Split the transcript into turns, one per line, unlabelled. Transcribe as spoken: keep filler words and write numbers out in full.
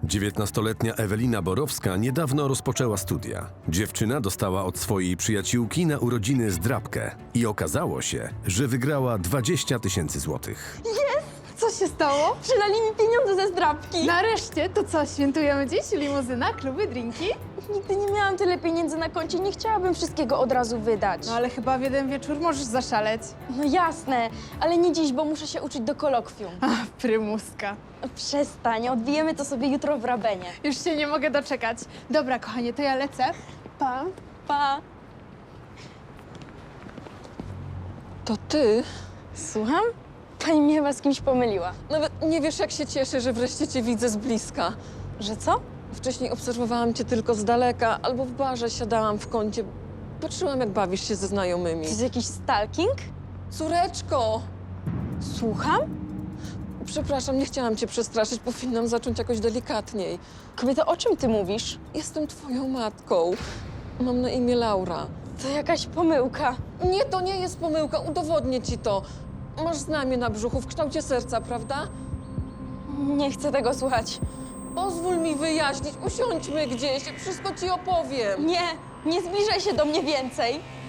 dziewiętnastoletnia Ewelina Borowska niedawno rozpoczęła studia. Dziewczyna dostała od swojej przyjaciółki na urodziny zdrabkę i okazało się, że wygrała dwadzieścia tysięcy złotych.
Co się stało?
Przylali mi pieniądze ze zdrabki.
Nareszcie, to co, świętujemy dziś? Limuzyna, kluby, drinki?
Nigdy nie miałam tyle pieniędzy na koncie, nie chciałabym wszystkiego od razu wydać.
No ale chyba w jeden wieczór możesz zaszaleć.
No jasne, ale nie dziś, bo muszę się uczyć do kolokwium.
Ach, prymuska.
Przestań, odbijemy to sobie jutro w Rabenie.
Już się nie mogę doczekać. Dobra, kochanie, to ja lecę. Pa.
Pa.
To ty?
Słucham? Pani mnie chyba z kimś pomyliła.
Nawet nie wiesz, jak się cieszę, że wreszcie cię widzę z bliska.
Że co?
Wcześniej obserwowałam cię tylko z daleka, albo w barze siadałam w kącie. Patrzyłam, jak bawisz się ze znajomymi.
To jest jakiś stalking?
Córeczko!
Słucham?
Przepraszam, nie chciałam cię przestraszyć, powinnam zacząć jakoś delikatniej.
Kobieto, o czym ty mówisz?
Jestem twoją matką. Mam na imię Laura.
To jakaś pomyłka.
Nie, to nie jest pomyłka, udowodnię ci to. Masz znamię na brzuchu w kształcie serca, prawda?
Nie chcę tego słuchać.
Pozwól mi wyjaśnić, usiądźmy gdzieś, wszystko ci opowiem.
Nie, nie zbliżaj się do mnie więcej.